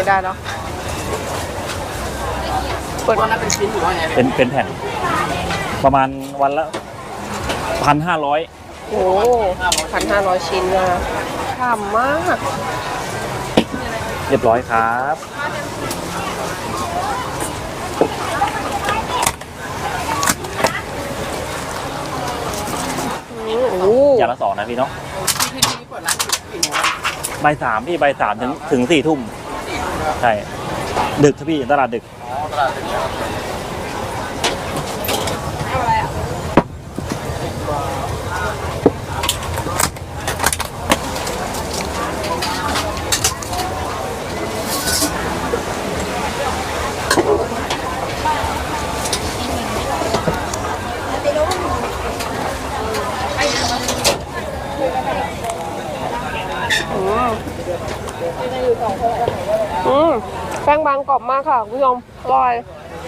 ได้เนาะเปิดวันละเป็นชิ้นหรือว่าไงเป็นแผ่นประมาณวันละ1,500 โอ้1,500 ชิ้นนะฉ่ำมากเรียบร้อยครับอย่างละ2นะพี่เนาะบ่าย 3พี่บ่าย 3ถึง 4 ทุ่มใช่ดึกครับพี่ตลาดดึกแป้งบางกรอบมากค่ะคุณผู้ชมอร่อย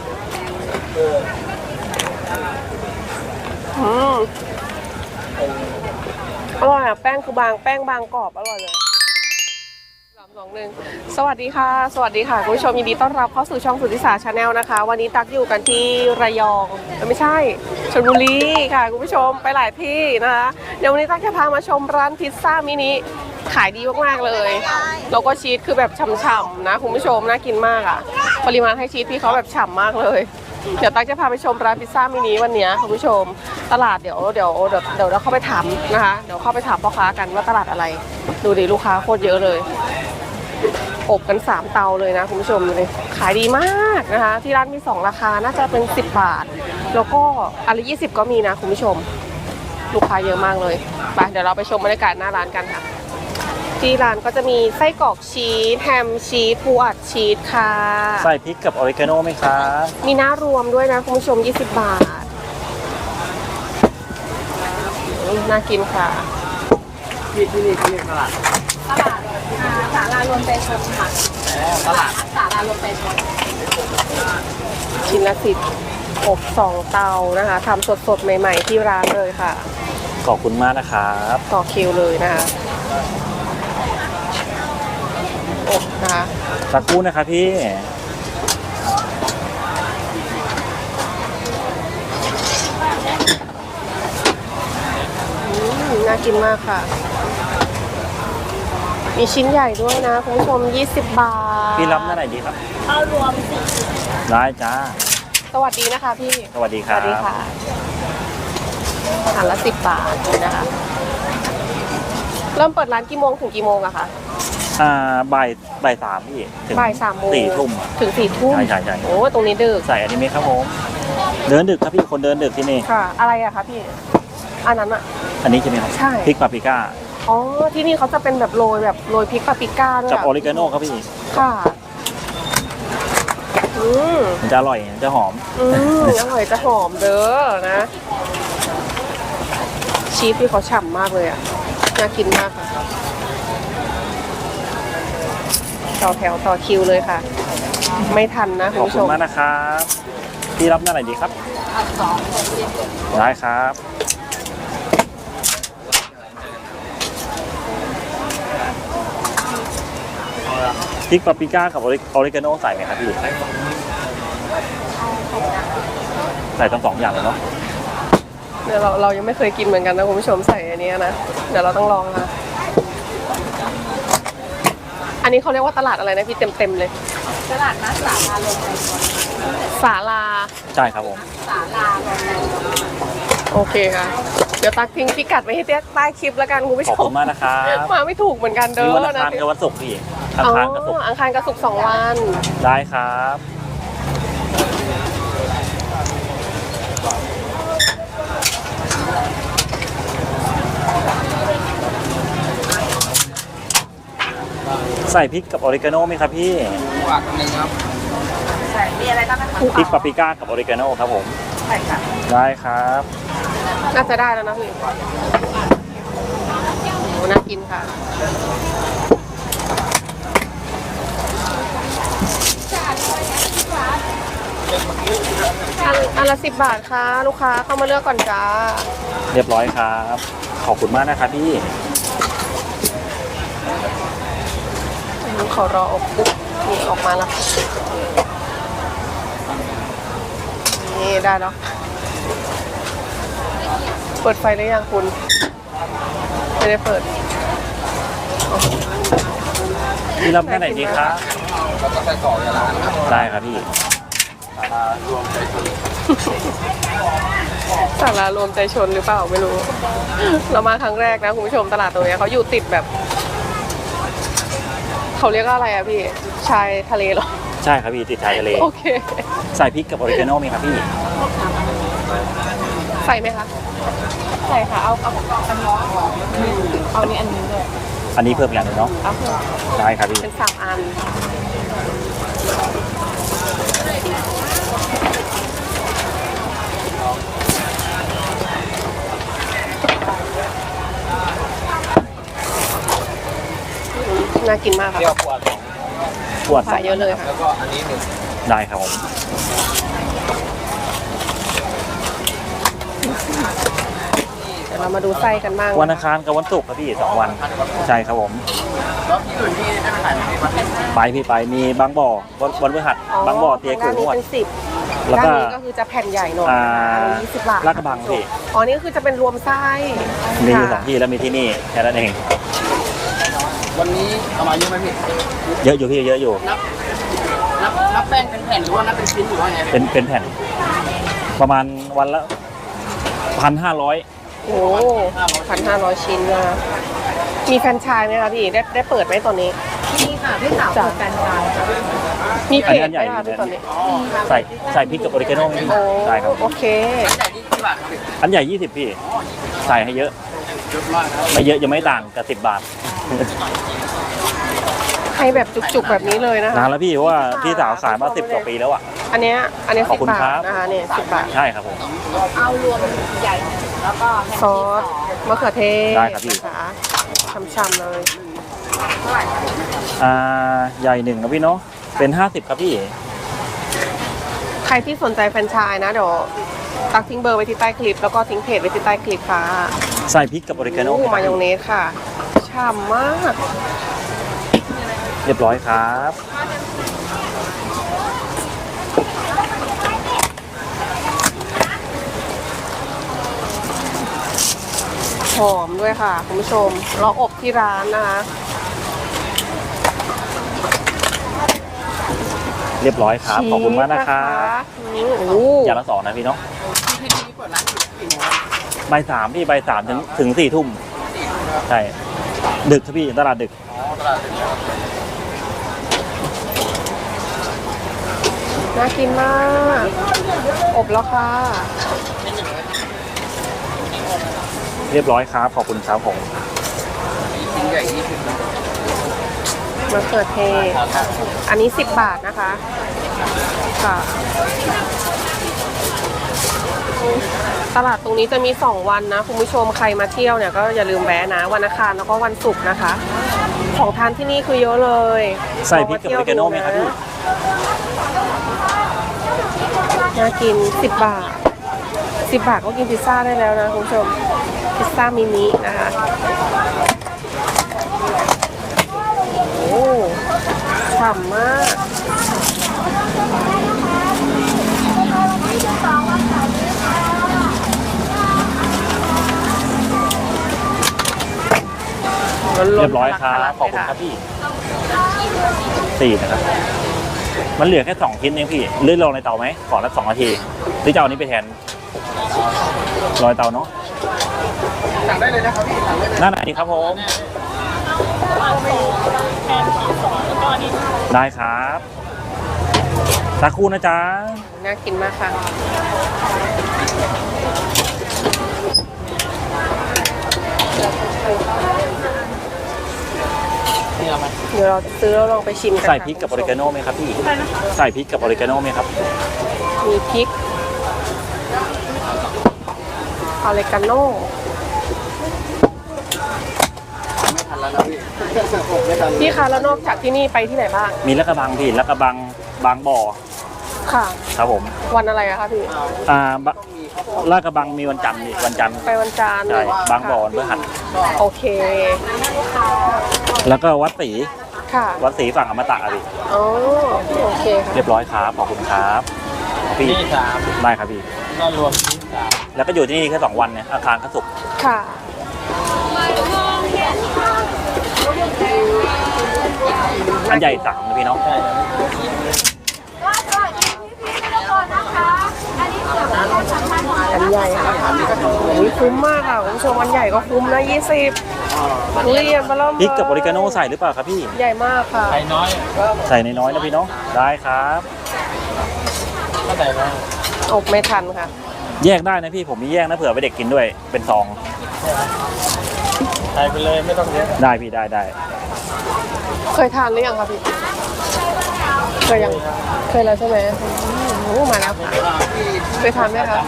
อร่อยอ่ะแป้งคือบางแป้งบางกรอบอร่อยเลย3 2 1สวัสดีค่ะสวัสดีค่ะคุณผู้ชมยินดีต้อนรับเข้าสู่ช่องสุทธิสาชาแนลนะคะวันนี้ตักอยู่กันที่ระยองไม่ใช่ชลบุรีค่ะคุณผู้ชมไปหลายที่นะคะเดี๋ยววันนี้ตักจะพามาชมร้านพิซซ่ามินิขายดีมากๆเลยแล้วก็ชีสคือแบบฉ่ำๆนะคุณผู้ชมน่ากินมากอ่ะปริมาณให้ชีสพี่เขาแบบฉ่ำมากเลยเดี๋ยวตั๊กจะพาไปชมร้านพิซซ่ามินิวันนี้คุณผู้ชมตลาดเดี๋ยวเราเข้าไปถามนะคะเดี๋ยวเข้าไปถามพ่อค้ากันว่าตลาดอะไรดูดิลูกค้าโคตรเยอะเลยอบกัน3 เตาเลยนะคุณผู้ชมเลยขายดีมากนะคะที่ร้านมี2 ราคาน่าจะเป็น10 บาทแล้วก็อันละ20ก็มีนะคุณผู้ชมลูกค้าเยอะมากเลยไปเดี๋ยวเราไปชมบรรยากาศหน้าร้านกันค่ะที่ร้านก็จะมีไส้กรอกชีสแฮมชีสปูอัดชีสค่ะใส่พริกกับออริกาโน่ไหมครับมีน้ารวมด้วยนะคุณผู้ชม20 บาทน่ากินค่ะที่นี่เขาเรียกตลาดศาลารวมใจชนค่ะตลาดศาลารวมใจชนชิ้นละ10อบ2 เตานะคะทำสดๆใหม่ๆที่ร้านเลยค่ะขอบคุณมากนะครับต่อคิวเลยนะคะอบนะคะสักครู่นะครับพี่น่ากินมากค่ะมีชิ้นใหญ่ด้วยนะคุณผู้ชม20 บาทพี่รับหน้าไหนดีครับเอารวมได้จ้าสวัสดีนะคะพี่สวัสดีครับสวัสดีค่ะอาหารละ10 บาทนะคะเริ่มเปิดร้านกี่โมงถึงกี่โมงอะคะบ่าย 3พี่ถึงบ่าย 3 โมง 4 ทุ่มถึง4 ทุ่มใช่โอ้ตรงนี้ดึกใส่อนิเมะครับผมเดินดึกครับพี่คนเดินดึกที่นี่ค่ะอะไรอะคะพี่อันนั้นอะอันนี้ใช่ไหมครับใช่พริกปาปริก้าอ๋อที่นี่เขาจะเป็นแบบโรยพริกปาปริก้าด้วยกับออริกาโน่ครับพี่ค่ะมันจะอร่อยจะหอมอร่อยจะหอมเด้อนะชีสที่เขาฉ่ำมากเลยอ่ะน่ากินมากค่ะต่อแถวต่อคิวเลยค่ะไม่ทันนะคุณผู้ชมขอบคุณมากนะครับพี่รับหน้าไหนดีครับได้ครับพริกปาปริก้ากับออริกาโน่ใส่ไหมครับพี่ใส่ทั้ง2 อย่างเลยเนาะเดี๋ยวเรายังไม่เคยกินเหมือนกันนะคุณผู้ชมใส่อันนี้นะเดี๋ยวเราต้องลองค่ะอันนี้เขาเรียกว่าตลาดอะไรนะพี่เต็มเลยตลาดนัดศาลาลงไปศาลาใช่ครับผมศาลาลงไปโอเคค่ะเดี๋ยวตักทิ้งพิกัดไว้ให้ใต้คลิปแล้วกันคุณผู้ชมขอบคุณมากนะครับมาไม่ถูกเหมือนกันเด้อนะวันวันศุกร์พี่อังคารกับศุกร์อังคารกับศุกร์2 วันได้ครับใส่พริกกับออริกาโน่ไหมครับพี่อันนึงครับใส่มีอะไรบ้างนะคะพริกปาปริก้ากับออริกาโน่ครับผมใช่ค่ะได้ครับน่าจะได้แล้วนะพี่โอ้น่ากินค่ะอันละ10 บาทค่ะลูกค้าเข้ามาเลือกก่อนจ้าเรียบร้อยครับขอบคุณมากนะครับพี่ขอรออบปุ๊บนี่ออกมาแล้วนี่ได้แล้วเปิดไฟหรือยังคุณไม่ได้เปิดพี่รับแค่ไหนดีครับแล้วก็ไส้กรอกในร้านครับได้ครับพี่รวมใจชนศาลารวมใจชนหรือเปล่าไม่รู้ เรามาครั้งแรกนะคุณผู้ชมตลาดตรงนี้เขาอยู่ติดแบบเขาเรียกว่าอะไรอะพี่ชายทะเลเหรอใช่ครับพี่ติดชายทะเลโอเคใส่พริกกับออริกาโน่มีครับพี่ใส่ไหมคะใส่ค่ะเอานี่อันนี้ด้วยอันนี้เพิ่มอย่างหนึงเนาะเอาเพิ่มได้ครับพี่เป็น3 อันน่ากินมากค่ะเปรี้ยวขวดขวดใส่เยอะเลยค่ะแล้วก็อันนี้หนึ่งได้ครับผมเดี๋ยวเรามาดูไส้กันบ้างวันอังคารกับวันศุกร์ครับพี่2 วันใช่ครับผมแล้วที่อื่นที่ได้ไปขายในประเทศไปพี่ไปมีบางบ่อวันพฤหัสบางบ่อเตียกูด้านนนี้วดเป็น10 แล้วด้านก็นี้ก็คือจะแผ่นใหญ่หน่อยอ่า 20 บาทลาดกระบังพี่อ๋อนี่ก็คือจะเป็นรวมไส้มีอยู่ค่ะ 2 ที่แล้วมีที่นี่แค่นั้นเองวันนี้เอามาเยอะไหมพี่เยอะอยู่พี่เยอะอยู่นับแป้งเป็นแผ่นหรือว่านับเป็นชิ้นหรือว่าไงพี่เป็นแผ่น ประมาณวันละ1,500 โอ้1,500 ชิ้นนะมีแฟรนไชส์ไหมคะพี่ได้เปิดไหมตอนนี้มีค่ะพี่สาวเปิดแฟรนไชส์ค่ะมีเพอันจนี้ไหมอันใหญ่คะพี่ตอนนี้ใส่พริกกับออริกาโน่มีโอ้ได้ครับโอเคแต่นี่กี่บาทครับพี่อันใหญ่20พี่ใส่ให้เยอะเยอะมากครับไม่เยอะยังไม่ต่างกับ10 บาทให้แบบจุกๆแบบนี้เลยนะคะนานแล้วพี่เพราะว่าพี่สาวขายมา10 กว่าปีแล้วอ่ะอันเนี้ยขอบ 10 คุณบาครัทบนะคะเนี่ย10 บาทใช่ครับผมเอารวมใหญ่แล้วก็แฮมซอสมะเขือเทศได้ครับพี่นะคะช่ำๆเลยใหญ่1ครับพี่เนาะเป็น50ครับพี่ใครที่สนใจแฟรนไชส์นะเดี๋ยวตักทิ้งเบอร์ไว้ที่ใต้คลิป แล้วก็ทิ้งเพจไว้ที่ใต้คลิปค่ะใส่พริกกับออริกาโน่มายองเนสค่ะฉ่ำมากเรียบร้อยครับหอมด้วยค่ะคุณผู้ชมเราอบที่ร้านนะคะเรียบร้อยครับขอบคุณมากนะครับชีสโอ้อย่างละ2นะพี่เนาะที่นี่เปิดร้านอยู่กี่โมงบ่าย 3พี่บ่าย 3ถึง4 ทุ่มใช่ดึกครับพี่ตลาดดึกอ๋อตลาดเป็นน่ากินมาก อบแล้วค่ะเรียบร้อยครับขอบคุณครับผมชิ้นใหญ่20นะมะเขือเทศ อันนี้10 บาทนะคะ ค่ะ ตลาดตรงนี้จะมี2 วันนะคุณผู้ชมใครมาเที่ยวเนี่ยก็อย่าลืมแวะนะวันอังคารแล้วก็วันศุกร์นะคะ ของทานที่นี่คือเยอะเลยใส่พริกกับออริกาโน่ไหมครับพี่น่ากิน10 บาท 10 บาทก็กินพิซซ่าได้แล้วนะคุณผู้ชมพิซซ่ามินินะคะโอ้ฉ่ำมากล้นๆเรียบร้อยครับขอบคุณครับพี่4นะครับมันเหลือแค่2ชิ้นเองพี่เลื่อนลงในเตาไหมขอละ2 นาทีหรือจะเอาอันนี้ไปแทนรอยเตาเนาะสั่งได้เลยนะครับพี่สั่งได้เลยนั่นไหนครับผมได้ครับสักครู่นะจ๊ะน่ากินมากค่ะนี่เอาไหมเดี๋ยวเราจะซื้อแล้วลองไปชิมกันใส่พริกกับออริกาโน่ไหมครับพี่ใส่พริกกับออริกาโน่ไหมครับมีพริกออริกาโน่ไม่ทันแล้วนะพี่ผมไม่ทันพี่คะแล้วนอกจากที่นี่ไปที่ไหนบ้างมีลาดกระบังพี่ลาดกระบังบางบ่อค่ะครับผมวันอะไรอะคะพี่บะลาดกระบังมีวันจันทร์นี่วันจันทร์ไปวันจันทร์ใช่บางบ่อวันพฤหัสโอเคแล้วก็วัดศรีค่ะวัดศรีฝั่งอมตะอะพี่อ๋อโอเคค่ะเรียบร้อยครับขอบคุณครับพี่ที่สามได้ครับพี่ก็รวมที่สามแล้วก็อยู่ที่นี่แค่2 วันเนี่ยอาคารก็สุกร์ค่ะอันใหญ่3นะพี่เนาะใช่ครับอันใหญ่ค่ะอุ้ยคุ้มมากค่ะคุณผู้ชมอันใหญ่ก็คุ้มนะ20ทุเรียนมาเริ่มพริกกับออริกาโน่ใส่หรือเปล่าครับพี่ใหญ่มากค่ะไข่น้อยใส่น้อยๆนะพี่เนาะได้ครับก็ใส่น้อยอบไม่ทันค่ะแยกได้นะพี่ผมมีแยกนะเผื่อไปเด็กกินด้วยเป็นซองใส่ไปเลยไม่ต้องเยอะได้พี่ได้เคยทานหรือยังคะพี่ เคยยัง เคยแล้วใช่ไหมโอ้มาแล้วค่ะเคยทานไหมคะ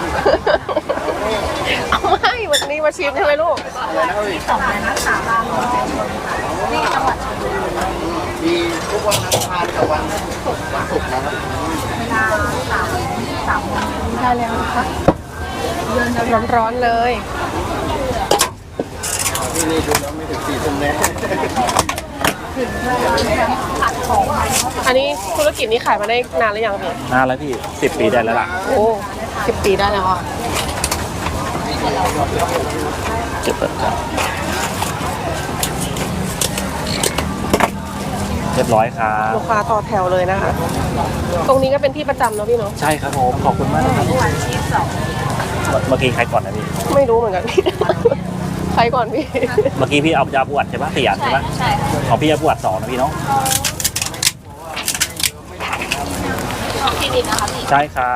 เอาไม่วันนี้มาชิมใช่ไหมลูกมีทุกวันอังคารกับวันศุกร์นะครับได้แล้วนะคะร้อนๆเลยที่นี่ดูแล้วไม่ถึง4 ทุ่มแน่อันนี้ธุรกิจนี้ขายมาได้นานหรือยังพี่นานแล้วพี่10 ปีได้แล้วล่ะโอ้10 ปีได้แล้วค่ะเจ็บเปิดครับเรียบร้อยครับลูกค้าต่อแถวเลยนะคะ ตรงนี้ก็เป็นที่ประจำเนอะพี่เนาะใช่ครับผมขอบคุณมากนะครับเมื่อกี้ใครก่อนนะพี่ไม่รู้เหมือนกันพี่ ใครก่อนพี่เมื่อกี้พี่เอายาปวดใช่ปะ4 อันใช่ปะใช่ค่ะของพี่ยาปวด2นะพี่เนาะของคลินิกนะคะพี่ใช่ครับ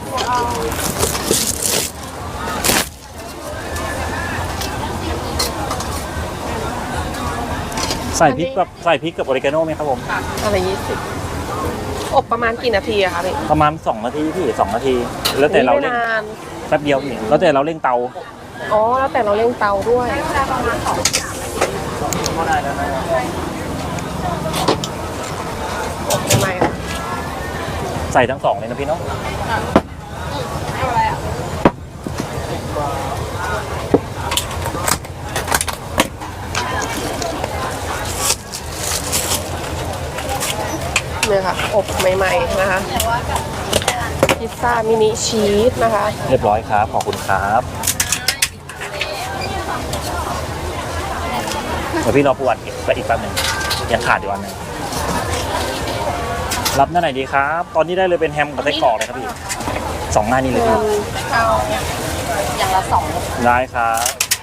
ใส่พริกกับออริกาโน่ไหมครับผมอะไร20อบประมาณกี่นาทีอะคะพี่ประมาณ2 นาทีพี่2 นาที แล้วแต่เราไม่เร่งนานแป๊บเดียวพี่แล้วแต่เราเร่งเตาอ๋อ แล้วแต่เราเร่งเตาด้วยอบทำไมอะใส่ทั้ง2เลยนะพี่เนาะเนี่ยค่ะ อบใหม่ๆนะคะ พิซซ่ามินิชีสนะคะเรียบร้อยครับขอบคุณครับเดี๋ยวพี่รอปวดไปอีกแป๊บหนึงยังขาดอยู่อันหนึงรับหน้าไหนดีครับ ตอนนี้ได้เลยเป็นแฮมกับไส้กรอกเลยครับพี่2 หน้านี้เลยพี่เอาอย่างละ2 ได้ครับ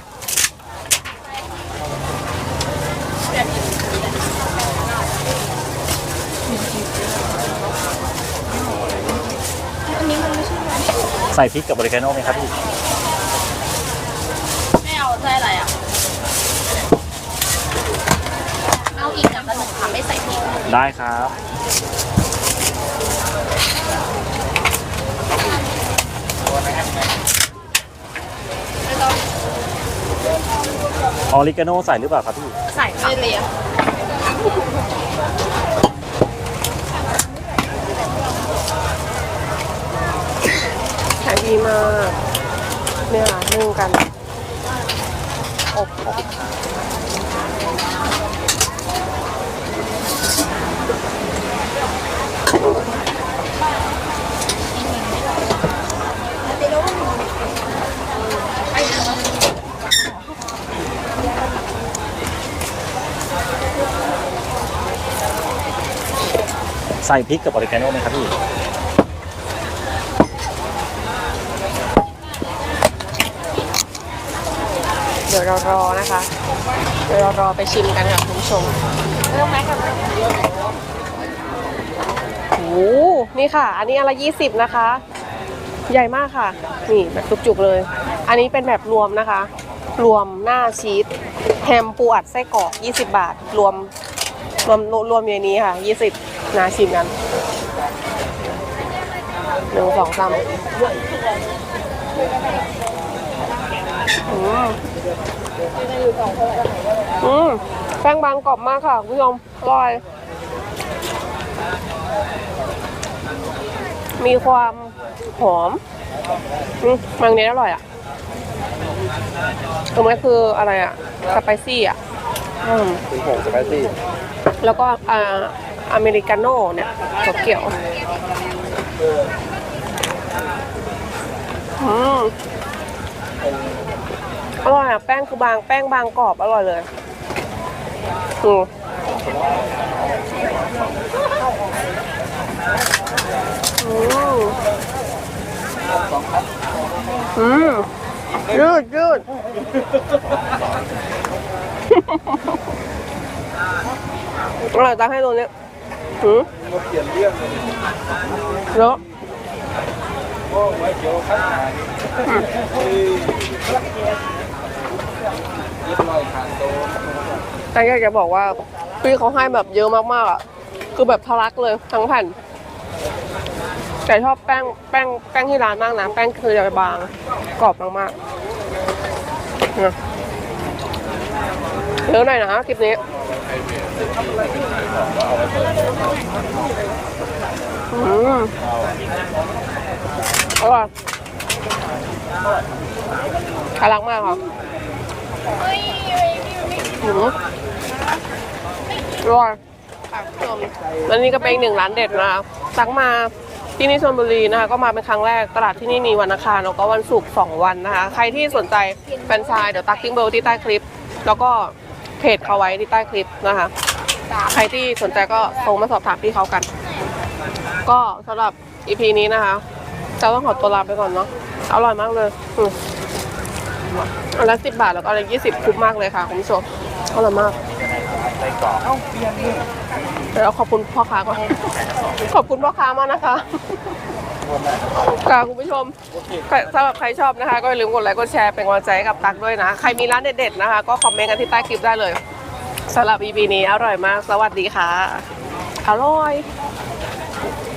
ใส่พริกกับบริกาโน่ไหมครับพี่ไม่เอาใส่อะไรอ่ะ เอาอีกอย่างละ1ค่ะไม่ใส่พริกได้ครับ ออริกาโน่ใส่หรือเปล่าครับพี่ใส่ไม่เลียขายดีมาก เนี่ยค่ะนึ่งกัน อบใส่พริกกับบริกาโน่ไหมครับพี่เดี๋ยวเรารอนะคะ เดี๋ยวเรารอไปชิมกันค่ะคุณผู้ชมเริ่มไหมกับโอ้โหนี่ค่ะ อันนี้อนละ20นะคะ ใหญ่มากค่ะ นี่แบบจุกๆเลย อันนี้เป็นแบบรวมนะคะ รวมหน้าชีสแฮมปูอัดไส้กรอก20 บาท รวมอยู่ในนี้ค่ะ20นาชิมกัน1 2 3แป้งบางกรอบมากค่ะคุณผู้ชมอร่อย มีความหอมมันนี้อร่อยอ่ะตรงนี้คืออะไรอ่ะ สไปซี่อ่ะเป็นผงสไปซี่แล้วก็อเมริกาโน่เนี่ยถั่วเขียวอร่อยอ่ะแป้งคือบางแป้งบางกรอบอร่อยเลยอืมยืดยืดอร่อยตั้งให้ตรงนี้มาเปลี่ยนเรื่องเลยเนาะโอ้ไว้เดี๋ยวข้างหน้าเรียบร้อยทานโตแต่อยากจะบอกว่าพี่เขาให้แบบเยอะมากๆอ่ะคือแบบทะลักเลยทั้งแผ่นแต่ชอบแป้งที่ร้านมากนะแป้งคือจะบางกรอบมากๆเนี่ยเยอะหน่อยนะคลิปนี้อร่อยทะลักมากค่ะอร่อยและนี่ก็เป็นอีกหนึ่งร้านเด็ดนะคะตักมาที่นี่ชลบุรีนะคะก็มาเป็นครั้งแรกตลาดที่นี่มีวันอังคารแล้วก็วันศุกร์2 วันนะคะใครที่สนใจแฟรนไชส์เดี๋ยวตักทิ้งเบอร์ที่ใต้คลิปแล้วก็เพจเขาไว้ที่ใต้คลิปนะคะใครที่สนใจก็โทรมาสอบถามพี่เขากันก็สำหรับ EP นี้นะคะจะต้องขอตัวลาไปก่อนเนาะอร่อยมากเลยอันละ10 บาทแล้วก็อันละ20คุ้มมากเลยค่ะคุณผู้ชมอร่อยมากเดี๋ยวขอบคุณพ่อค้าก่อนขอบคุณพ่อค้ามากนะคะค่ะคุณผู้ชมสำหรับใครชอบนะคะก็อย่าลืมกดไลค์กดแชร์เป็นกำลังใจให้กับตั๊กด้วยนะใครมีร้านเด็ดๆนะคะก็คอมเมนต์กันที่ใต้คลิปได้เลยสำหรับ EP นี้อร่อยมากสวัสดีค่ะอร่อย